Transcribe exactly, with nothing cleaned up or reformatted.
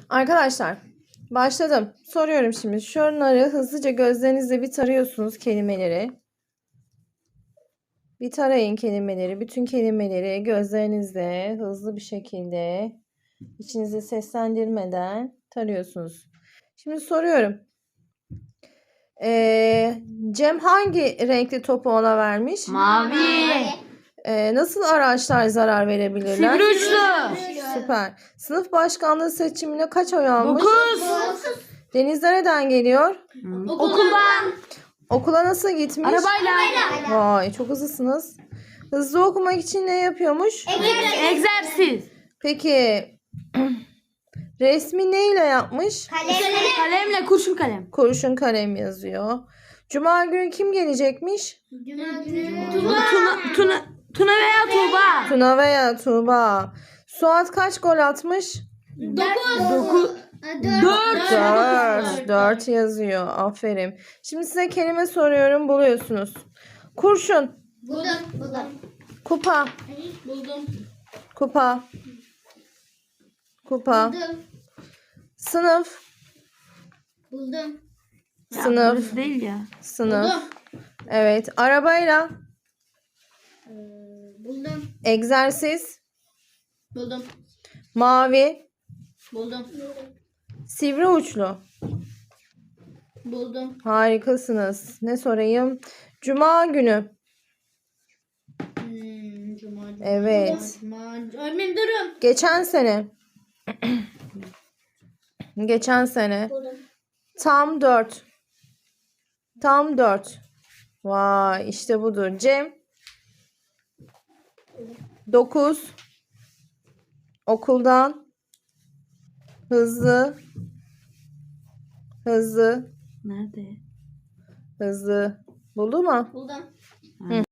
Arkadaşlar başladım. Soruyorum şimdi. Şunları hızlıca gözlerinizle bir tarıyorsunuz kelimeleri. Bir tarayın kelimeleri. Bütün kelimeleri gözlerinizle hızlı bir şekilde içinize seslendirmeden tarıyorsunuz. Şimdi soruyorum. Ee, Cem hangi renkli topu ona vermiş? Mavi. Ee, nasıl araçlar zarar verebilirler? Sivri uçlu. Süper. Sınıf başkanlığı seçimine kaç oy almış? Dokuz. Deniz nereden geliyor? Okuldan. Okula nasıl gitmiş? Arabayla. Vay, çok hızlısınız. Hızlı okumak için ne yapıyormuş? Egzersiz. Peki resmi neyle yapmış? Kalemle, kurşun kalem. Kurşun kalem yazıyor. Cuma günü kim gelecekmiş? Tuna, Tuna, Tuna veya Tuğba. Tuna veya Tuğba. Suat kaç gol atmış? Dokuz. Dört. Dört. Dört yazıyor. Aferin. Şimdi size kelime soruyorum. Buluyorsunuz. Kurşun. Buldum. Buldum. Kupa. Buldum. Kupa. Kupa. Buldum. Sınıf. Buldum. Sınıf. Burası değil ya. Sınıf. Buldum. Evet. Arabayla. Ee, Buldum. Egzersiz. Buldum. Mavi. Buldum. Sivri uçlu. Buldum. Harikasınız. Ne sorayım? Cuma günü. Hmm, Cuma. Evet. Cuma. Öğretmenim durun. Geçen sene. Geçen sene. Buldum. Tam dört. Tam dört. Vay, işte budur. Cem. Dokuz. Okuldan. Hızlı. Hızlı. Nerede? Hızlı. Buldu mu? Buldum.